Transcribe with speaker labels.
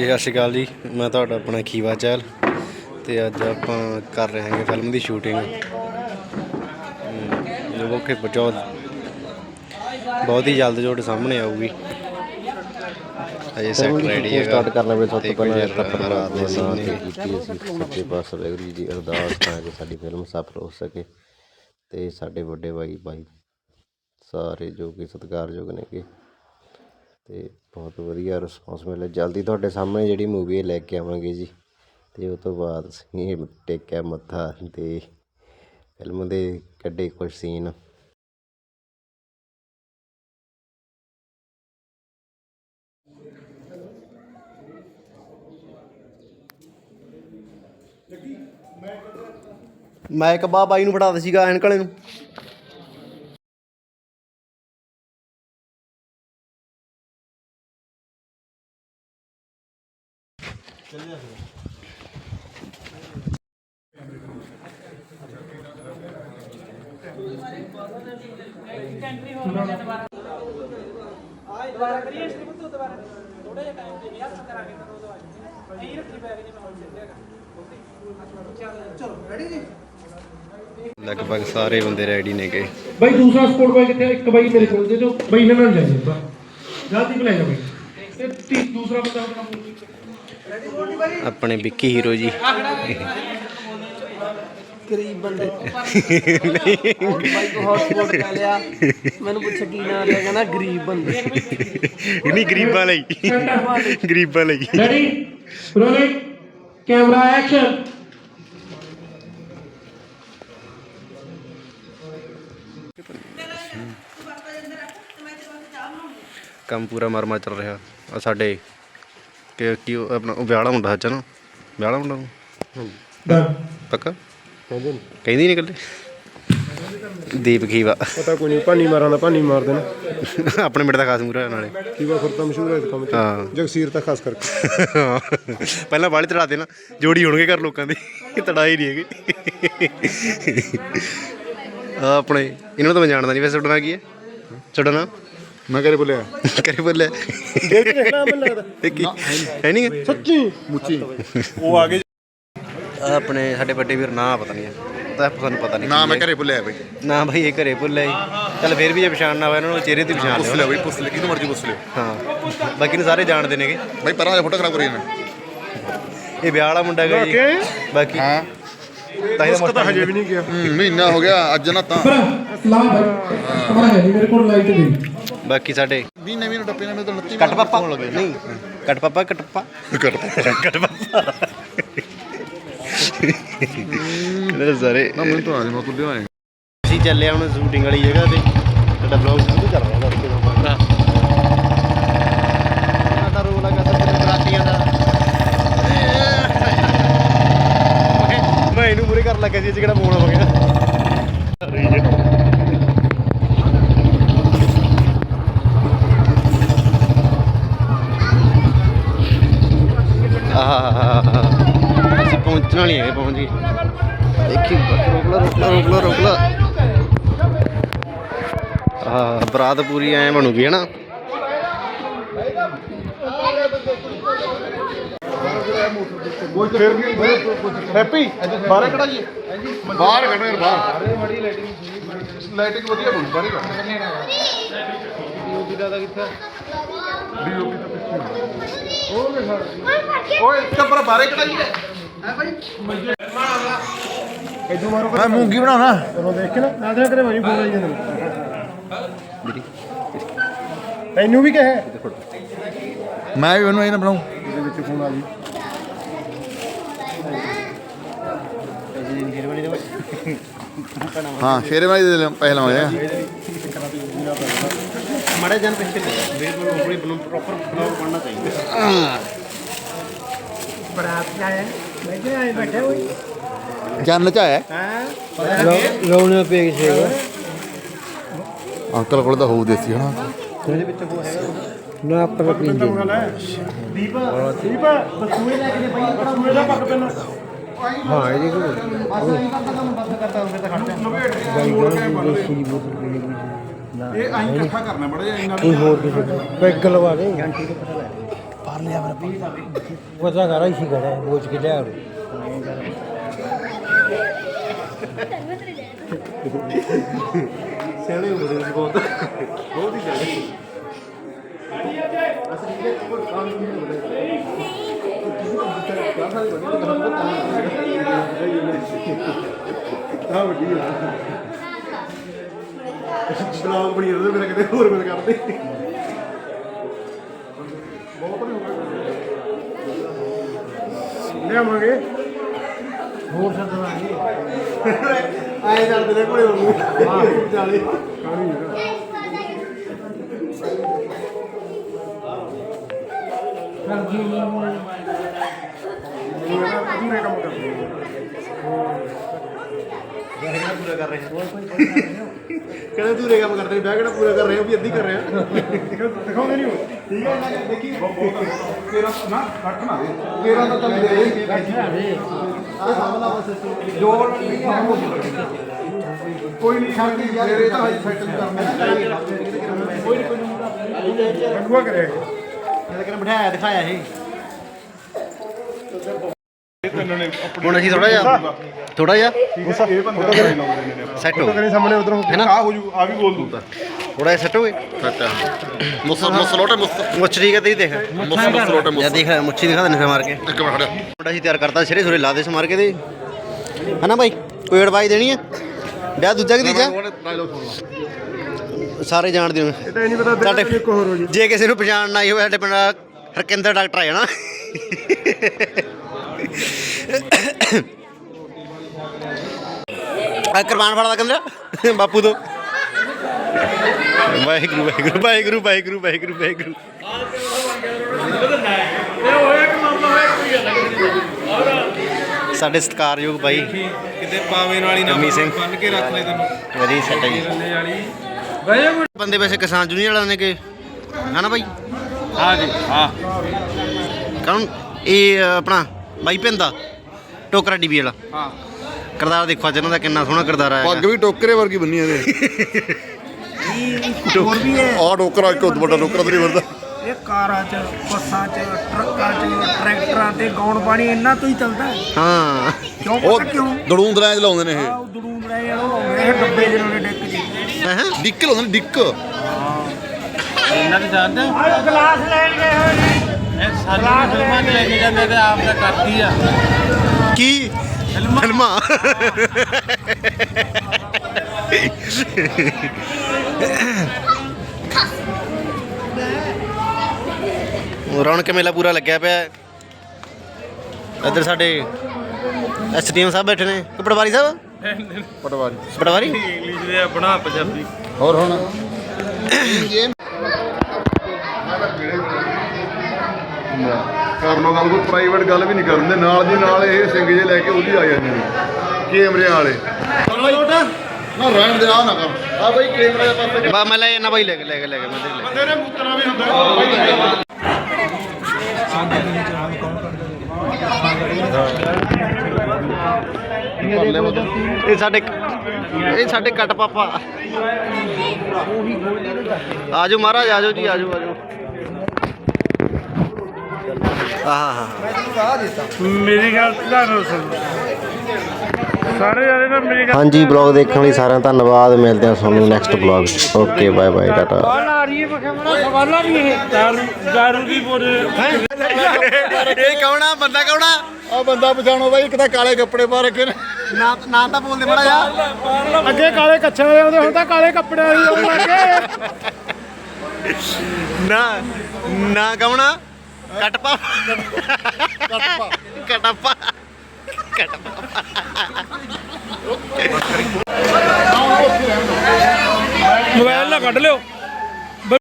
Speaker 1: ਸਤਿ ਸ਼੍ਰੀ ਅਕਾਲ ਜੀ, ਮੈਂ ਤੁਹਾਡਾ ਆਪਣਾ ਖੀਵਾ ਚਹਿਲ ਤੇ ਅੱਜ ਆਪਾਂ ਕਰ ਰਹੇ ਹਾਂ ਫਿਲਮ ਦੀ ਸ਼ੂਟਿੰਗ ਜੋ ਕਿ ਬਹੁਤ ਹੀ ਜਲਦ ਤੁਹਾਡੇ ਸਾਹਮਣੇ ਆਊਗੀ। ਅਜੇ ਸੈੱਟ ਰੈਡੀ ਹੈਗਾ
Speaker 2: ਸਟਾਰਟ ਕਰਨਾ ਵੇ। ਸਭ ਤੋਂ ਪਹਿਲਾਂ
Speaker 1: ਰਾਤ ਦੇ ਸੀਨ ਨੇ
Speaker 2: ਕੀਤੀ ਅਸੀਂ ਸੱਚੇ ਪਾਤਸ਼ਾਹ ਵਾਹਿਗੁਰੂ ਜੀ ਦੀ ਅਰਦਾਸ ਤਾਂ ਕਿ ਸਾਡੀ ਫਿਲਮ ਸਫਲ ਹੋ ਸਕੇ ਤੇ ਸਾਡੇ ਵੱਡੇ ਭਾਈ ਸਾਰੇ ਜੋ ਕਿ ਸਤਿਕਾਰਯੋਗ ਨੇਗੇ ਤੇ ਬਹੁਤ ਵਧੀਆ ਰਿਸਪੌਂਸ ਮਿਲਿਆ। ਜਲਦੀ ਤੁਹਾਡੇ ਸਾਹਮਣੇ ਜਿਹੜੀ ਮੂਵੀ ਲੈ ਕੇ ਆਵਾਂਗੇ ਜੀ ਤੇ ਉਹ ਤੋਂ ਬਾਅਦ ਅਸੀਂ ਟੇਕਿਆ ਮੱਥਾ ਤੇ ਫਿਲਮ ਦੇ ਕੱਢੇ ਕੁਝ ਸੀਨ।
Speaker 1: ਮੈਂ ਇੱਕ ਬਾਈ ਨੂੰ ਫੜਾਤਾ ਸੀਗਾ ਐਨਕ ਵਾਲੇ ਨੂੰ। लगभग सारे बंदे रेडी ने गए
Speaker 3: भाई। दूसरा स्पोर्ट बाइक कितने एक बाइक मेरे को दे दो भाई, ना जाइए जल्दी पे ले जाओ भाई। दूसरा बंदा
Speaker 1: अपने विक्की हीरो जी
Speaker 4: गरीब बंदे भाई को हॉटस्पॉट कर लिया। मैंने पूछा की ना लिया, कहना गरीब बंदे
Speaker 1: नहीं गरीबां लई गरीबां लई।
Speaker 3: Ready rolling camera action.
Speaker 1: ਕੰਮ ਪੂਰਾ ਮਰਮਾ ਚੱਲ ਰਿਹਾ ਆ ਸਾਡੇ ਕਿ ਕੀ ਆਪਣਾ ਉਹ ਵਿਆਹ ਵਾਲਾ ਮੁੰਡਾ ਸੱਚ ਨਾ, ਵਿਆਹ ਵਾਲਾ ਮੁੰਡਾ ਪੱਕਾ ਕਹਿੰਦੀ ਨਹੀਂ ਇਕੱਲੇ ਦੀਪ ਖੀਵਾ
Speaker 3: ਪਤਾ ਕੋਈ ਨਹੀਂ, ਭਾਨੀ ਮਾਰਾਂ ਦਾ ਭਾਨੀ ਮਾਰ ਦੇਣਾ।
Speaker 1: ਆਪਣੇ ਮਿੰਟ ਦਾ ਖਾਸ ਮੂਹਰਾ ਨਾਲੇ
Speaker 3: ਖੀਵਾ ਫਿਰ ਤਾਂ ਮਸ਼ਹੂਰ ਹੈ ਇਸ ਕੰਮ 'ਚ।
Speaker 1: ਹਾਂ
Speaker 3: ਜਗਸੀਰ ਤਾਂ ਖਾਸ ਕਰਕੇ
Speaker 1: ਪਹਿਲਾਂ ਬਾਹਲੀ ਤੜਾ ਦੇਣਾ ਜੋੜੀ ਹੋਣਗੇ ਘਰ ਲੋਕਾਂ ਦੇ, ਤੜਾਈ ਨਹੀਂ ਹੈਗੀ। ਆ ਆਪਣੇ ਇਹਨਾਂ ਨੂੰ ਤਾਂ ਮੈਂ ਜਾਣਦਾ ਨਹੀਂ ਵੈਸੇ। ਤੁਹਾਡਾ ਨਾਂ ਕੀ ਹੈ? ਤੁਹਾਡਾ ਨਾਂ?
Speaker 3: ਮੈਂ ਕਰੇ ਬੋਲਿਆ
Speaker 1: ਬੋਲਿਆ ਹੈ ਨਹੀਂ
Speaker 3: ਸੱਚੀ ਮੁੱਚੀ ਉਹ ਆ ਗਏ।
Speaker 1: ਆਪਣੇ ਸਾਡੇ ਵੱਡੇ ਵੀਰ ਨਾਂ ਪਤਾ ਨਹੀਂ ਤਾਂ ਸਾਨੂੰ ਪਤਾ ਨਹੀਂ
Speaker 5: ਨਾ ਮੈਂ ਘਰੇ ਭੁੱਲਿਆ ਬਈ।
Speaker 1: ਨਾ ਭਾਈ ਇਹ ਘਰੇ ਭੁੱਲਿਆ ਜੀ। ਚੱਲ ਫਿਰ ਵੀ ਜੇ ਪਛਾਣ ਨਾ ਹੋਇਆ ਇਹਨਾਂ ਨੂੰ ਚਿਹਰੇ ਤੇ ਪਛਾਣ
Speaker 5: ਪੁੱਛ ਲਿਓ ਬਈ, ਪੁੱਛ ਲਿਓ ਕਿਹਨੂੰ ਮਰਜ਼ੀ ਪੁੱਛ ਲਿਓ।
Speaker 1: ਹਾਂ ਬਾਕੀ ਨੂੰ ਸਾਰੇ ਜਾਣਦੇ ਨੇਗੇ
Speaker 5: ਬਈ ਪਰਾਂ ਫੋਟੋ ਖਰਾਬ ਕਰੀ ਜਾਣਾ।
Speaker 1: ਇਹ ਵਿਆਹ ਵਾਲਾ ਮੁੰਡਾ ਹੈਗਾ ਜੀ। ਬਾਕੀ
Speaker 5: ਹਾਂ
Speaker 1: ਤਾਂ ਇਹਦਾ
Speaker 3: ਤਾਂ ਹਜੇ ਵੀ ਨਹੀਂ ਗਿਆ।
Speaker 5: ਮਹੀਨਾ ਹੋ ਗਿਆ ਅੱਜ ਨਾ ਤਾਂ
Speaker 3: ਸਲਾਮ ਭਾਈ ਕਮਰਾ ਹੈ ਮੇਰੇ ਕੋਲ ਲਾਈਟ ਦੀ।
Speaker 1: ਬਾਕੀ ਸਾਡੇ
Speaker 5: 20 ਨਵੀਂ ਟੱਪੇ ਨਾਲ ਤਾਂ 29
Speaker 1: ਕੱਟ ਪਾਪਾ ਨਹੀਂ ਕੱਟ ਪਾਪਾ ਕੱਟ ਪਾਪਾ ਸਾਰੇ
Speaker 5: ਨਾ ਮੈਨੂੰ ਤਾਂ ਆ ਜਾ ਮੈਂ ਕੁੱਲੇ ਆਏ।
Speaker 1: ਅਸੀਂ ਚੱਲੇ ਹੁਣ ਸ਼ੂਟਿੰਗ ਵਾਲੀ ਜਗ੍ਹਾ ਤੇ ਸਾਡਾ ਬਲੌਗ ਸ਼ੁਰੂ ਕਰ ਰਿਹਾ ਲੜਕੇ ਦਾ ਭਰਾ। ਸਾਡਾ ਰੋਲ ਹੈਗਾ ਸੱਜਣ ਬਰਾਤੀਆਂ ਦਾ। ਮੈਂ ਇਹਨੂੰ ਮੂਰੇ ਕਰਨ ਲੱਗਾ ਸੀ, ਕਿਹੜਾ ਫੋਨ ਹੋ ਗਿਆ। ਅਸੀਂ ਪਹੁੰਚਣ ਵਾਲੀ ਹੈਗੇ, ਪਹੁੰਚ ਗਏ। ਦੇਖੀ ਰੋਕ ਲਾ। ਬਰਾਤ ਪੂਰੀ ਐ ਬਣੂਗੀ ਹੈ ਨਾ।
Speaker 5: ਹੈਪੀ ਬਾਹਰ ਕਢਾਈਏ, ਬਾਹਰ ਕੱਢੋ ਯਾਰ ਬਾਹਰ। ਲਾਈਟਿੰਗ ਵਧੀਆ ਬਣੂ ਬਾਹਰ ਕੱਢ। ਡੀਓਪੀ ਦਾ ਕਿੱਥੇ? ਡੀਓਪੀ ਤਾਂ ਪਿੱਛੇ ਓਏ ਚੱਪਰ ਬਾਹਰ ਕਢਾਈਏ ਹੈ ਭਾਈ।
Speaker 3: ਇਦੋਂ ਮਾਰੋ
Speaker 5: ਮੈਂ ਮੂੰਗੀ ਬਣਾਉਣਾ
Speaker 3: ਚਲੋ ਦੇਖ ਕੇ ਨਾ ਆਦਰਾ ਕਰੇ ਭਾਈ ਫੋਨ ਆਈ ਜਾਂਦਾ ਤੈਨੂੰ ਵੀ ਕਹੇ
Speaker 5: ਮੈਂ ਵੀ ਉਹਨੂੰ ਇਹ ਨਾ ਬਣਾਉ।
Speaker 3: ਇਹਦੇ ਵਿੱਚ ਫੋਨ ਆ ਜੀ।
Speaker 5: ਹਾਂ ਸ਼ੇਰਵਾਨੀ ਦੇ ਪੈਸੇ ਲਾਉਂਦੇ ਆ।
Speaker 1: ਮਾੜੇ ਜਨ ਪਿੱਛੇ ਬਿਲਕੁਲ ਪੂਰੀ ਪ੍ਰੋਪਰ ਬਲੌਗ ਬਣਨਾ ਚਾਹੀਦਾ।
Speaker 3: ਬਰਾਤ ਆਇਆ ਬੈਠੇ ਆਏ ਬੈਠੇ ਹੋਈ
Speaker 5: ਜਨ ਚ ਆਇਆ
Speaker 3: ਰੌਣੇ ਪੇ ਕਿਸੇ
Speaker 5: ਅੰਕਲ ਕੋਲ ਤਾਂ ਹੋਊ ਦੇਸੀ ਹਨਾ।
Speaker 1: ਇਹਦੇ ਵਿੱਚ ਉਹ ਹੈਗਾ
Speaker 3: ਨਾ ਆਪਣਾ ਪੀਂਦੇ ਦੀਪ ਬਸੂਏ ਲੈ ਕੇ ਭਾਈ ਬਸੂਏ ਦਾ ਪੱਕ ਪੈਣਾ। ਹਾਂ ਇਹਦੇ ਕੋਲ ਇਹ ਆਈ ਇਕੱਠਾ ਕਰਨਾ ਬੜਾ ਜਿਹਾ ਇੰਨਾ ਕੋਈ ਹੋਰ ਕਿਸੇ ਪੈਗ ਲਵਾ ਦੇ ਘੰਟੀ ਤੋਂ ਪਤਾ ਲੈ
Speaker 4: ਮਾਰ ਲਿਆ ਮੇਰਾ
Speaker 3: ਪਤਾ ਕਰਾ ਹੀ ਖੜਾ ਬੋਝ ਕੇ ਲਿਆ
Speaker 5: ਸਿਆਣੇ ਹੁੰਦੇ ਨੇ ਬਹੁਤ ਬਹੁਤ ਹੀ ਸਿਆਣੇ ਅਸੀਂ ਇਹ ਕੋਈ ਕੰਮ ਨਹੀਂ ਹੁੰਦੇ ਹਾਂ ਵੱਡੀ ਬਲੌਗ ਬਣੀ ਉਹਦੇ ਮੇਰਾ ਕਿਤੇ ਹੋਰ ਮਿਲ ਕਰਦੇ ਬਹੁਤ ਬੜੀ ਹੋ ਗਈ ਲਿਆਵਾਂਗੇ ਹੋਰ ਸੱਦਵਾਂਗੇ ਆਏ ਕਰਦੇ ਨੇ ਕੋਲੇ ਵਾਂਗੂ ਹਾਂ ਚਾਲੇ ਕਾਹੀ ਅਧੂਰੇ ਕੰਮ ਕਰਦੇ ਪੂਰਾ ਕਰ ਰਹੇ ਕਹਿੰਦੇ ਦੂਰੇ ਕੰਮ ਕਰਦੇ ਬਹਿ ਕੇ ਪੂਰਾ ਕਰ ਰਹੇ ਹੋ ਵੀ ਅੱਧੀ ਕਰ ਰਹੇ ਆ ਦਿਖਾਉਂਦੇ ਨਹੀਂ ਹੋ ਠੀਕ ਹੈ ਨਾ ਦੇਖੀ ਤੇਰਾ ਨਾ ਕੱਟ ਨਾ ਦੇ ਤੇਰਾ ਤਾਂ ਚੱਲ ਦੇ ਆ ਸਾਹਮਣਾ ਬਸ ਜੋ ਕੋਈ ਨਹੀਂ ਖਾਂਦੀ ਯਾਰ ਇਹ ਤਾਂ ਹਾਈ ਸੈਟਲ ਕਰਨਾ ਕੋਈ ਨਹੀਂ ਰੰਗਵਾ ਕਰਿਆ ਇਹ ਤਾਂ ਬਿਠਾਇਆ ਦਿਖਾਇਆ ਇਹ
Speaker 1: ਹੁਣ ਅਸੀਂ ਥੋੜਾ ਜਿਹਾ
Speaker 5: ਇਹ ਬੰਦਾ ਕਰੇ ਲਾਉਂਦੇ ਨੇ
Speaker 1: ਸੈੱਟ ਹੋ
Speaker 5: ਕਰੇ ਸਾਹਮਣੇ ਉਧਰ
Speaker 1: ਹੈ ਨਾ?
Speaker 5: ਆ ਹੋ ਜੂ ਆ ਵੀ ਬੋਲ ਦੂੰ
Speaker 1: ਥੋੜਾ ਜਿਹਾ ਸੈੱਟ ਹੋ ਗਏ
Speaker 2: ਮੁਸਲੋਟੇ
Speaker 1: ਮੁੱਛ ਠੀਕ ਹੈ ਤੇਰੀ ਦੇਖ
Speaker 2: ਮੁਸਲੋਟੇ
Speaker 1: ਜਾਂ ਦੇਖ ਮੁੱਛੀ ਦਿਖਾ ਦੇ ਮਾਰ ਕੇ
Speaker 2: ਇੱਕ ਮਿੰਟ ਖੜਿਆ
Speaker 1: ਮੁੰਡਾ ਸੀ ਤਿਆਰ ਕਰਤਾ ਸਿਰੇ ਸੁਰੇ ਲਾ ਦੇ ਸਮਾਰ ਕੇ ਦੇ ਹਨਾ ਬਾਈ ਕੋਈ ਐਡਵਾਈਸ ਦੇਣੀ ਹੈ ਵਿਆਹ ਦੂਜਾ ਕਿ ਤੀਜਾ ਸਾਰੇ ਜਾਣਦੇ ਹੋ
Speaker 5: ਇਹ ਤਾਂ ਨਹੀਂ ਪਤਾ
Speaker 1: ਸਾਡੇ
Speaker 5: ਇੱਕ ਹੋਰ ਹੋ ਜੀ
Speaker 1: ਜੇ ਕਿਸੇ ਨੂੰ ਪਛਾਣ ਨਾ ਆਈ ਹੋਵੇ ਸਾਡੇ ਪਿੰਡ ਹਰਕਿੰਦਰ ਡਾਕਟਰ ਆ ਜਾਣਾ ਕੁਰਬਾਨ ਫੜਾ ਦਾ ਕੰਦਰ ਬਾਪੂ ਤੋਂ ਵਾਹਿਗੁਰੂ ਵਾਹਿਗੁਰੂ ਵਾਹਿਗੁਰੂ ਵਾਹਿਗੁਰੂ ਵਾਹਿਗੁਰੂ ਵਾਹਿਗੁਰੂ ਸਾਡੇ ਸਤਿਕਾਰਯੋਗ ਭਾਈ
Speaker 3: ਕਿਤੇ ਪਾਵੇ ਨਾਲ ਹੀ ਨਾ
Speaker 1: ਗਰਮੀਤ ਸਿੰਘ
Speaker 3: ਬੰਨ ਕੇ ਰੱਖ ਲੈ ਤੈਨੂੰ
Speaker 1: ਵਧੀਆ ਸੈਟ ਹੈ ਜੀ
Speaker 3: ਵਾਲੀ
Speaker 1: ਬੰਦੇ ਵੈਸੇ ਕਿਸਾਨ ਜੂਨੀਅਰ ਵਾਲਿਆਂ ਨੇ ਕਿ ਹਨਾ ਭਾਈ
Speaker 3: ਹਾਂ ਜੀ ਹਾਂ
Speaker 1: ਕੌਣ ਇਹ ਆਪਣਾ ਬਾਈ ਪਿੰਦਾ ਟੋਕਰਾ ਡੀਬੀ ਵਾਲਾ
Speaker 3: ਹਾਂ
Speaker 1: ਕਰਦਾਰ ਦੇਖੋ ਅੱਜ ਇਹਨਾਂ ਦਾ ਕਿੰਨਾ ਸੋਹਣਾ ਕਰਦਾਰ ਆਇਆ
Speaker 5: ਪੱਗ ਵੀ ਟੋਕਰੇ ਵਰਗੀ ਬੰਨੀ ਇਹਦੇ
Speaker 4: ਹੋਰ ਵੀ ਹੈ
Speaker 5: ਆ ਟੋਕਰਾ ਇੱਕ ਵੱਡਾ ਟੋਕਰਾ ਤੇ ਨਹੀਂ ਵਰਦਾ
Speaker 4: ਇਹ ਕਾਰਾਂ 'ਚ ਬੱਸਾਂ 'ਚ ਟਰੱਕਾਂ 'ਚ ਟਰੈਕਟਰਾਂ ਤੇ ਗਾਉਣ ਪਾਣੀ ਇਹਨਾਂ ਤੋਂ ਹੀ ਚੱਲਦਾ ਹੈ।
Speaker 1: ਹਾਂ
Speaker 4: ਕਿਉਂ
Speaker 5: ਉਹ
Speaker 4: ਪਤਾ ਕਿਉਂ
Speaker 5: ਦੜੂੰਦਰਾਂ ਚ ਲਾਉਂਦੇ ਨੇ ਇਹ
Speaker 4: ਆਹ ਦੜੂਮ ਰਹੇ ਆ ਉਹ ਇਹ ਡੱਬੇ ਜਿਹਨਾਂ ਨੇ ਡਿੱਕ ਜੀ
Speaker 1: ਹੈਂ?
Speaker 5: ਡਿੱਕ ਲਾਉਂਦੇ ਨੇ ਡਿੱਕ
Speaker 3: ਇਹਨਾਂ ਦੀ ਜਾਣਦੇ
Speaker 4: ਆਹ ਗਲਾਸ ਲੈਣ ਗਏ ਹੋਏ ਨੇ
Speaker 3: ਇਹ ਸਾਡੀ ਫਿਲਮਾਂ 'ਚ ਲੈ ਕੇ ਜਾਂਦੇ ਤੇ ਆਪ ਦਾ ਕਰਦੀ ਆ
Speaker 1: ਕੀ ਫਿਲਮਾਂ ਰੌਣਕ ਮੇਲਾ ਪੂਰਾ ਲੱਗਿਆ ਪਿਆ ਹੈ। ਇੱਧਰ ਸਾਡੇ ਐਸਡੀਐਮ ਸਾਹਿਬ ਬੈਠੇ ਨੇ ਕਿ ਪਟਵਾਰੀ ਸਾਹਿਬ
Speaker 5: ਪਟਵਾਰੀ
Speaker 1: ਪਟਵਾਰੀ
Speaker 3: ਇੰਗਲਿਸ਼ ਦੇ ਬਣਾ ਪੰਜਾਬੀ
Speaker 5: ਹੋਰ ਹੁਣ ਕਰ ਲੋ ਗੱਲ ਕੋਈ ਪ੍ਰਾਈਵੇਟ ਗੱਲ ਵੀ ਨਹੀਂ ਕਰਦੇ ਨਾਲ ਦੀ ਨਾਲ ਇਹ ਸਿੰਘ ਜੇ ਲੈ ਕੇ ਉਹਦੀ ਆ ਜਾਂਦੇ ਨੇ ਕੈਮਰੇ ਵਾਲੇ ਨਾ ਰਹਿਣ ਦੇ ਆ ਨਾ ਕਰ ਆ ਬਈ ਕੈਮਰੇ ਦੇ ਪਾਸੇ
Speaker 1: ਬਾ ਮੈਂ ਲੈ ਜਾਣਾ ਬਾਈ ਲੈ ਕੇ ਮੈਂ ਦੇ ਲੈ
Speaker 5: ਤੇਰੇ ਮੁੱਤਰਾ ਵੀ ਹੁੰਦਾ
Speaker 1: ਇਹ ਸਾਡੇ ਕੱਟ ਪਾਪਾ ਆਜੋ ਮਹਾਰਾਜ ਆਜੋ ਜੀ ਆਜੋ ਆਜੋ ਆਹਾ
Speaker 3: ਮੇਰੀ ਗੱਲ ਤੁਹਾਨੂੰ ਸੁਣ ਸਾਰੇ ਜਾਣੇ ਨਾ ਮੇਰੀ
Speaker 2: ਹਾਂਜੀ ਬਲੌਗ ਦੇਖਣ ਲਈ ਸਾਰਿਆਂ ਦਾ ਧੰਨਵਾਦ ਮਿਲਦੇ ਹਾਂ ਤੁਹਾਨੂੰ next blog okay bye bye tata
Speaker 3: ਆ ਰਹੀ ਹੈ ਬਖਮਣਾ ਸਵਾਲਾਂ ਵੀ ਇਹ ਦਾਰੂ ਦੀ ਬੋਰੇ
Speaker 1: ਇਹ ਕੌਣਾ ਬੰਦਾ ਕੌਣਾ
Speaker 5: ਆ ਬੰਦਾ ਪਛਾਣੋ ਬਾਈ ਇੱਕ ਤਾਂ ਕਾਲੇ ਕੱਪੜੇ ਪਾ ਰੱਖੇ ਨੇ
Speaker 1: ਨਾ ਤਾਂ ਬੋਲਦੇ ਬੜਾ ਜਾ
Speaker 3: ਅੱਗੇ ਕਾਲੇ ਕੱਛਾਂ ਦੇ ਆਉਂਦੇ ਹੁਣ ਤਾਂ ਕਾਲੇ ਕੱਪੜਿਆਂ ਦੀ ਆਉਣ ਲੱਗੇ
Speaker 1: ਨਾ ਕੌਣਾ ਕਟਪਾ ਕਟਪਾ
Speaker 3: ਮੋਬਾਈਲ ਨਾ ਕੱਢ ਲਿਓ